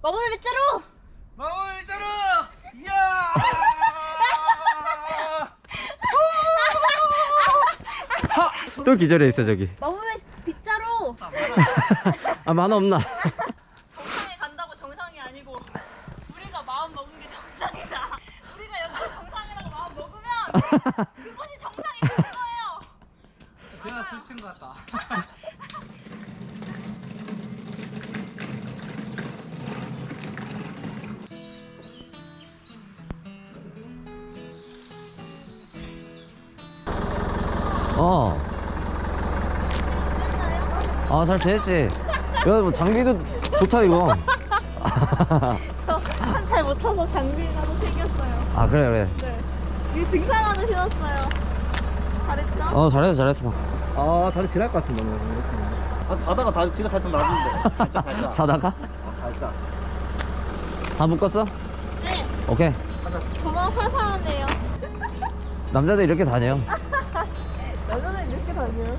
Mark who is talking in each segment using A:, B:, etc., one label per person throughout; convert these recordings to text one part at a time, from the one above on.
A: 마법의 빗자루!
B: 마법의 빗자루! 이야!
C: 또 기절해 있어 저기.
A: 마법의 빗자루!
C: 아 만화 없나?
A: 정상에 간다고 정상이 아니고 우리가 마음 먹은 게 정상이다. 우리가 여기서 정상이라고 마음 먹으면 그곳이 정상이 되는 거예요.
B: 제가 술 친 것 같다.
C: 아, 잘 지냈지? 야, 뭐 장비도 좋다, 이거.
A: 잘 못타서 장비라도 챙겼어요.
C: 아, 그래, 그래.
A: 네. 이게 등산화도 신었어요. 잘했죠?
C: 잘했어.
B: 아, 다리 지날 것 같은데, 오늘. 아, 자다가 다리 지가 살짝 나는데. 살짝.
C: 자다가?
B: 아, 살짝.
C: 다 묶었어?
A: 네.
C: 오케이.
A: 저만 화사하네요.
C: 남자들 이렇게 다녀요.
A: 여자는 이렇게 다녀요.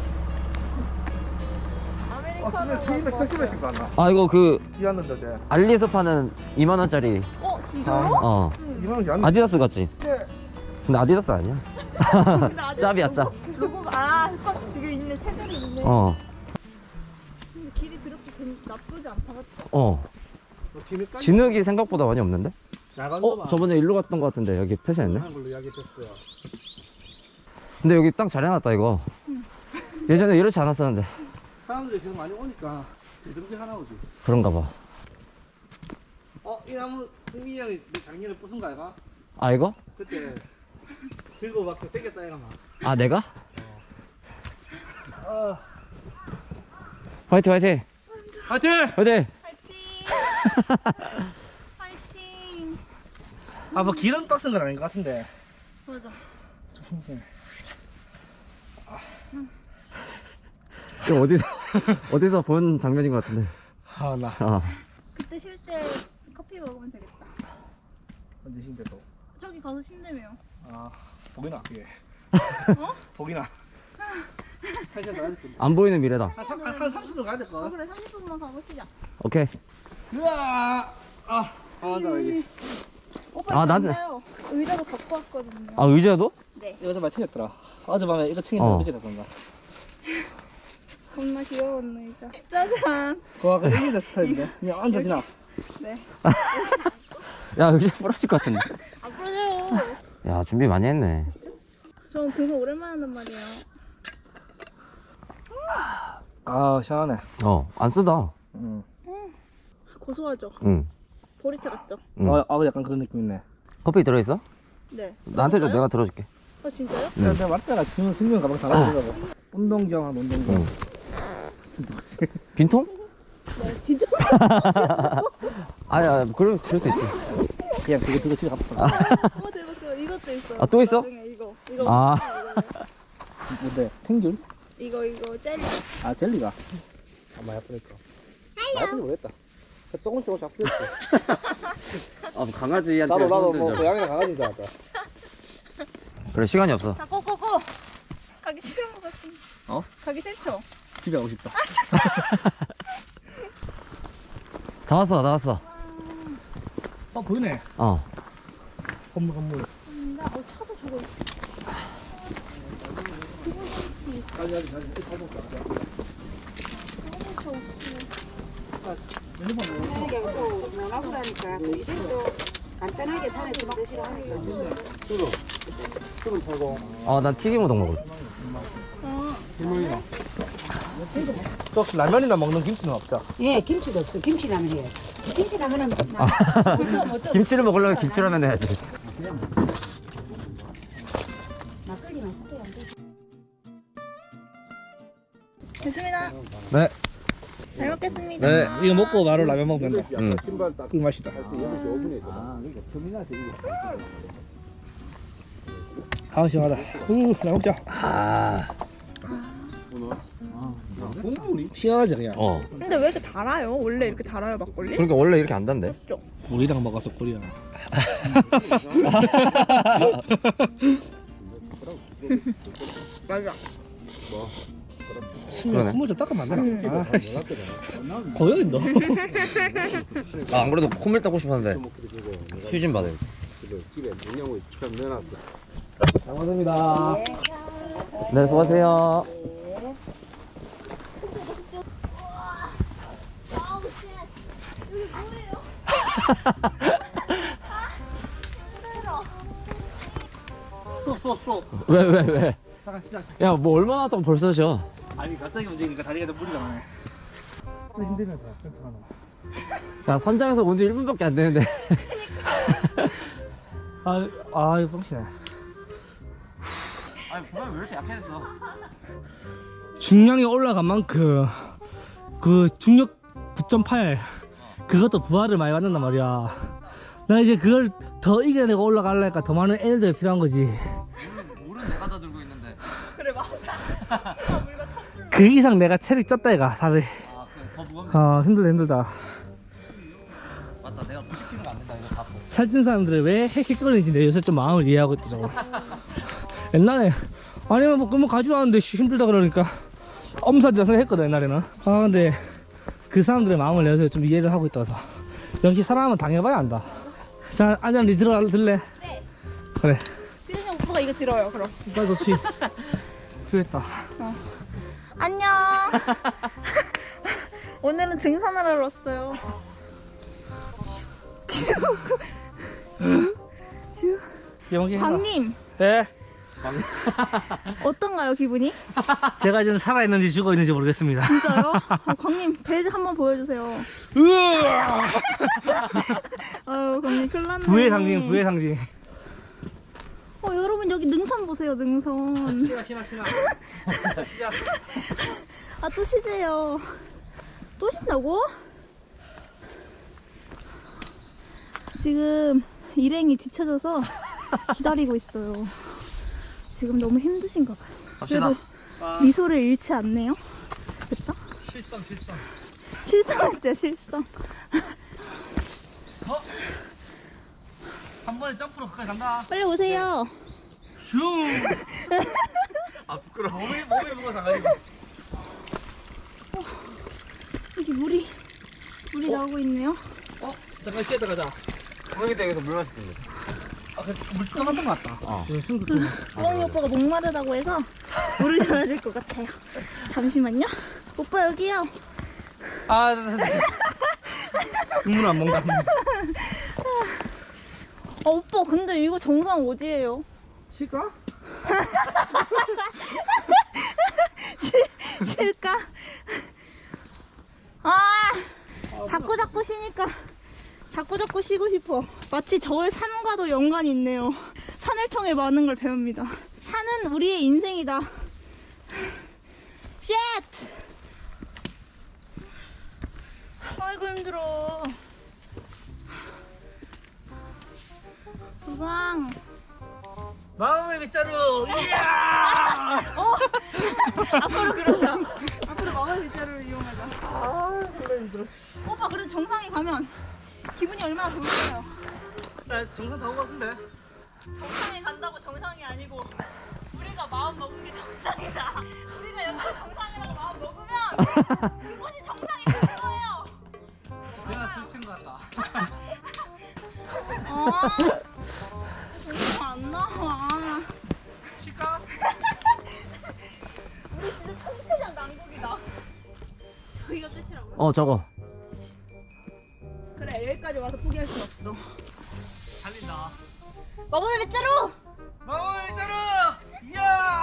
A: 아메리카노
B: 택시를 거 않나?
C: 아, 이거 그,
B: 뛰었는데, 어제.
C: 알리에서 파는 2만원짜리.
A: 진짜요?
C: 어.
B: 2만원이 안
C: 아디다스 같지?
A: 네.
C: 근데 아디다스 아니야?
A: 근데 아직
C: 짭이야, 짭.
A: 로고가 이게 있네. 색깔이 있네.
C: 어.
A: 근데 길이 그렇게 나쁘지 않다 맞죠?
C: 어. 진흙이 생각보다 많이 없는데?
B: 나간다.
C: 저번에 일로 갔던 것 같은데 여기 폐쇄했네?
B: 한 걸로 이야기했어요.
C: 근데 여기 땅 잘 해놨다 이거. 예전에 이렇지 않았었는데.
B: 사람들이 계속 많이 오니까 정신 하나 오지.
C: 그런가 봐.
B: 이 나무 승민이 형이 작년에 부순 거 아이가?
C: 아 이거?
B: 그때 들고 막 땡겼다 이가 막.
C: 아 내가?
B: 아,
C: 화이팅 화이팅!
B: 화이팅!
C: 화이팅!
A: 파이팅! 파이팅!
B: 아, 뭐 기름 떠쓴 건 아닌 것 같은데.
A: 맞아.
B: 좀 힘드네.
C: 이거 어디서 본 장면인 것 같은데.
B: 아, 나
C: 어.
A: 그때 쉴 때 커피 먹으면 되겠다.
B: 언제 힘들 또.
A: 저기 가서 쉰다며요.
B: 아, 보기나 그게.
A: 어?
B: 보기나. 한 시간 더 가야 될 건데.
C: 안 보이는 미래다.
B: 한 30분 가야 될 거.
A: 그래 30분만 가보시자.
C: 오케이.
B: 으아! 앉아 여기.
A: 오빠
C: 아,
A: 이거
C: 나는-
A: 앉아요. 의자도 갖고 왔거든요.
C: 아 의자도?
A: 네.
B: 이거 좀 많이 챙겼더라. 어젯밤에 이거 챙기면
C: 어.
B: 늦게 잤던가.
A: 겁나 귀여운 의자. 짜잔.
B: 그거 아까 이기자 스타일인데. 그냥 앉아 지나.
A: 네.
C: 야 의자 부러질 것 같은데.
A: 안 부러져요.
C: 야 준비 많이 했네.
A: 저 등산 오랜만에 한단 말이에요.
B: 아, 시원하네.
C: 안 쓰다.
B: 응.
A: 고소하죠?
C: 응.
A: 보리차 같죠?
C: 응.
B: 약간 그런 느낌 있네.
C: 커피 들어있어?
A: 네.
C: 나한테 줘.
A: 먹어볼까요?
C: 내가 들어줄게.
A: 진짜요?
C: 응.
B: 내가 맞다가 지금 승용 가방 다 가져가고. 운동경, 운동경.
C: 응. 빈통?
A: 네. 진짜.
C: 아야 그럴 수 있지.
B: 그냥 그거 들고 집에 갔다.
A: 대박 대박. 이것도 있어요.
C: 아, 또 있어?
A: 나중에 이거.
C: 아.
B: 뭔데? 탱귤?
A: 이거 젤리.
B: 아, 젤리가. 많이 아프니까. 많이 모르겠다. 조금씩 잡혔지.
C: 아 강아지한테.
B: 나도 뭐 고양이랑 강아지인 줄 알았다.
C: 그래 시간이 없어.
A: 자, 고고고. 가기 싫은 것 같은데.
B: 어?
A: 가기 싫죠?
B: 집에 가고 싶다.
C: 다 왔어.
B: 보이네. 건물.
A: 차도 저거 있어.
B: 가지.
A: 저거 없이.
D: 원하고라니까 또 이래도 간단하게 산에 좀 드시라 하니까
C: 난 튀김 우동 먹을래.
B: 또 혹시 라면이나 먹는 김치는 없죠?
D: 예 김치도 없어 김치라면 해야지 김치라면은
C: 김치를 먹으려면 김치라면 해야지.
D: 막걸리 맛있어요 안 돼?
A: 됐습니다.
C: 네.
A: 잘 먹겠습니다.
C: 네.
B: 이거 먹고 바로 라면 먹으면 된다.
C: 응.
B: 그 맛이다. 아, 시원하다. 라면 먹자. 시원하지 그냥.
A: 근데 왜 이렇게 달아요? 원래 이렇게 달아요 막걸리?
C: 그러니까 원래 이렇게 안 단대.
A: 그렇죠?
B: 우리랑 먹어서 꿀이야.
A: 맞아.
C: 그러네.
B: 숨을 좀 닦으면 안 되나?
E: 고여인도.
C: 아, 안 그래도 콧물 닦고 싶었는데 휴 좀 받아요.
B: 집에 냉장고에 참 넣어놨어.
C: 잘 먹습니다. 네, 수고하세요.
A: 아우 씨. 여기 뭐예요? 힘들어.
C: 왜?
E: 잠깐 시작.
C: 야, 뭐 얼마나 왔다고 벌써 쉬어?
E: 아니 갑자기 움직이니까 다리가 좀 무리가 가네. 힘들면서 괜찮아.
C: 야, 선장에서 온 지 1분밖에 안 되는데.
E: 이거 뻥치네.
C: 아니, 부담이 왜 이렇게 약해졌어?
E: 중량이 올라간 만큼 그 중력 9.8 그것도 부하를 많이 받는단 말이야. 나 이제 그걸 더 이겨내고 올라가려니까 더 많은 에너지가 필요한 거지.
C: 물은 내가 다 들고 있는데.
A: 그래 맞아. 물과 텀블러.
E: 그 이상 내가 체력 쪘다 이가 살을.
C: 아, 그래, 더 무겁네.
E: 힘들다.
C: 맞다, 내가 90kg가 안 된다, 이거 다.
E: 살찐 사람들이 왜 헥헥거리는지 내 요새 좀 마음을 이해하고 있다 저거. 옛날에 아니면 뭐 그러면 가지도 않는데 힘들다 그러니까 엄살이라서 했거든 옛날에는. 근데 그 사람들의 마음을 내가 요새 좀 이해를 하고 있다 그래서 역시 사람은 당해봐야 안다. 자, 안장 니 들래?
A: 네.
E: 그래.
A: 피디님 오빠가 이거 들어요 그럼.
E: 오빠 좋지. 필요했다.
A: 안녕. 오늘은 등산하러 왔어요. 광님
E: 예.
A: 어떤가요 기분이?
E: 제가 지금 살아있는지 죽어있는지 모르겠습니다.
A: 진짜요? 광님 배 한번 보여주세요.
E: 으아!
A: 아유 광님 큰일 났네.
E: 부의 상징.
A: 여러분 여기 능선 보세요 능선.
E: 신나.
A: 아 또 쉬세요. 또 쉰다고? 지금 일행이 뒤쳐져서 기다리고 있어요. 지금 너무 힘드신가 봐요.
C: 갑시다.
A: 그래도 미소를 잃지 않네요. 그쵸?
E: 실성.
A: 실성했대 실성.
E: 한 번에 점프로 가까이 간다.
A: 빨리 오세요.
E: 슝. 부끄러워. 몸이 무거워서 안 가지고.
A: 여기 물이 나오고 있네요.
E: 잠깐 쉬었다 가자.
C: 여기 댁에서 물 마시던데.
E: 물 떠났던 것 같다.
A: 수홍이 오빠가 목마르다고 해서 물을 줘야 될 것 같아요. 잠시만요. 오빠 여기요.
E: 국물 안 먹는다.
A: 오빠 근데 이거 정상 어디예요?
E: 실까?
A: 쉴까? 자꾸 쉬니까 자꾸 쉬고 싶어. 마치 저의 삶과도 연관이 있네요. 산을 통해 많은 걸 배웁니다. 산은 우리의 인생이다. 쉣! 아이고 힘들어. 우방.
E: 마음의 빗자루. 이야!
A: 앞으로 그러자. 앞으로 마음의 빗자루를 이용하자.
E: 그래 힘들어.
A: 오빠 그래도 정상에 가면 기분이 얼마나 좋을까요?
E: 나 정상 다 온 것 같은데.
A: 정상에 간다고 정상이 아니고 우리가 마음 먹은 게 정상이다. 우리가 여기서 정상이라고 마음 먹으면 그것이 정상이 되는 거예요.
E: 제가 술 취한 것 같다.
A: 오빠 안 나와.
E: 쉴까?
A: 우리 진짜 천체적 난국이다. 저기가 끝이라고요?
C: 저거.
A: 그래 여기까지 와서 포기할 순 없어.
E: 달린다.
A: 마법의 빗자루!
E: 마음의 빗자루. 이야!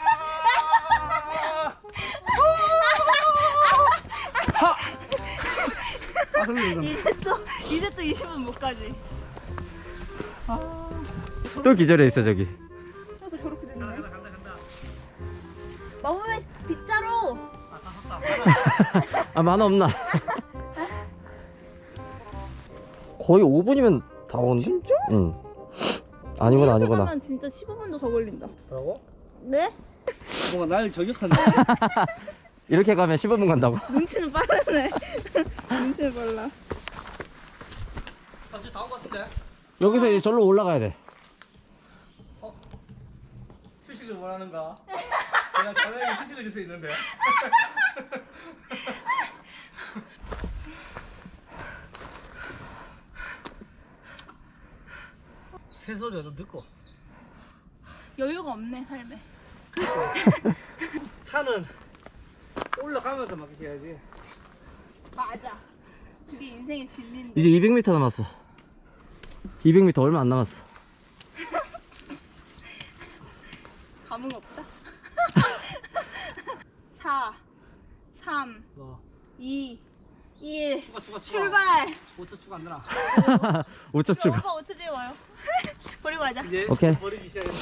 A: 이제 또 20분 못 가지.
C: 또 기절해 있어, 저기.
A: 아이고 저렇게 됐네. 마법의 빗자루!
C: 만화 없나? 거의 5분이면 다 오는데?
A: 진짜?
C: 응. 아니구나.
A: 가면 진짜 15분도 더 걸린다.
E: 뭐라고?
A: 네?
E: 뭔가 날 저격한다.
C: 이렇게 가면 15분 간다고?
A: 눈치는 빠르네. 눈치는 빨라.
E: 다시 다 온 것 같은데?
C: 여기서 이제 절로 올라가야 돼.
E: 휴식을 원하는가? 자네에게 휴식을 줄 수 있는데. 새소리가 좀 듣고.
A: 여유가 없네 삶에.
E: 산은 올라가면서 막 이렇게 해야지.
A: 맞아. 그게 인생의 진리인데.
C: 이제 200m 남았어. 200m 얼마 안 남았어.
A: 감흥 없다. 4, 3, 2, 1.
E: 추가.
A: 출발.
E: 5초 추가 안 되나?
C: 5점 추가.
A: 오빠 5초 뒤에 와요. 버리고 가자.
E: 이제
C: 오케이.
E: 버리기 시작했나?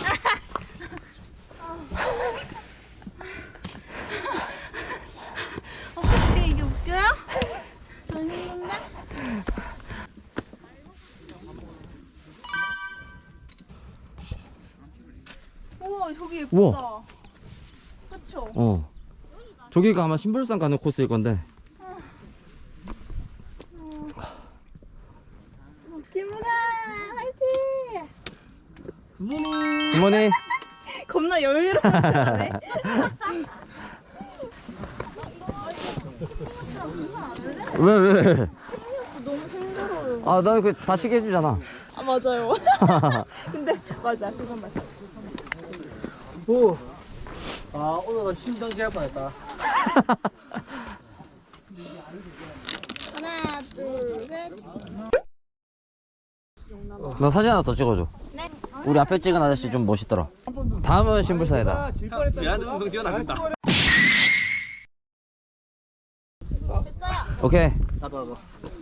A: 어떻게 이게 웃겨요? 전 힘든데? 우와 저기 예쁘다.
C: 우와.
A: 그쵸?
C: 어. 저기가 아마 신불산 가는 코스일 건데.
A: 김문아 화이팅!
C: 부모님.
A: 겁나 여유롭게 하네.
C: 왜?
A: 너무 힘들어요.
C: 아, 나 그 다시게 해주잖아.
A: 아 맞아요. 근데 맞아 그건 맞아.
E: 오. 아 오늘은 심정지 할 뻔했다.
A: 하나 둘 셋.
C: 나 사진 하나 더 찍어줘.
A: 네.
C: 우리 앞에 찍은 아저씨 좀 멋있더라. 다음은 신불산이다.
E: 미안 음성 지원 안 된다.
A: 됐어요.
C: 오케이.
E: 나도.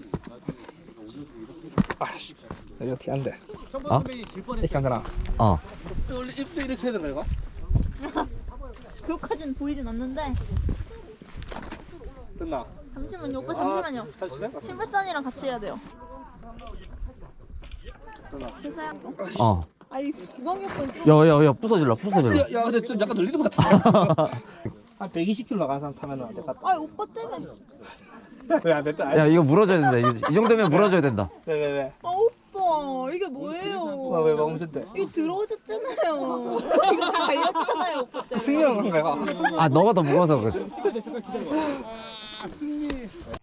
E: 아씨. 이거 어떻게 안 돼?
C: 어?
E: 이렇게 하잖아.
C: 어.
E: 원래 입도 이렇게 해야 되는 거야 이거?
A: 그렇게까지는 보이진 않는데.
E: 됐나?
A: 잠시만요 오빠 잠시만요.
E: 다시 시작?
A: 신불산이랑 같이 해야 돼요.
E: 됐나?
A: 됐어요.
C: 어.
A: 아이 구강이 오빠
C: 야, 부서질라.
E: 야 근데 좀 약간 늘리는 것 같은데? 한 120km 나가는 사람 타면 안 될 것 같다.
A: 아 오빠 때문에.
E: 왜 안 됐다?
C: 야, 이거 물어줘야 된다. 이 정도면 물어줘야 된다.
E: 왜?
A: 아 오빠 이게 뭐예요?
E: 왜 멈췄대?
A: 이거 들어오셨잖아요. 이거 다 갈렸잖아요 오빠 때문에.
E: 승리한 건가 이거?
C: 아, 너가 더 무거워서 그래.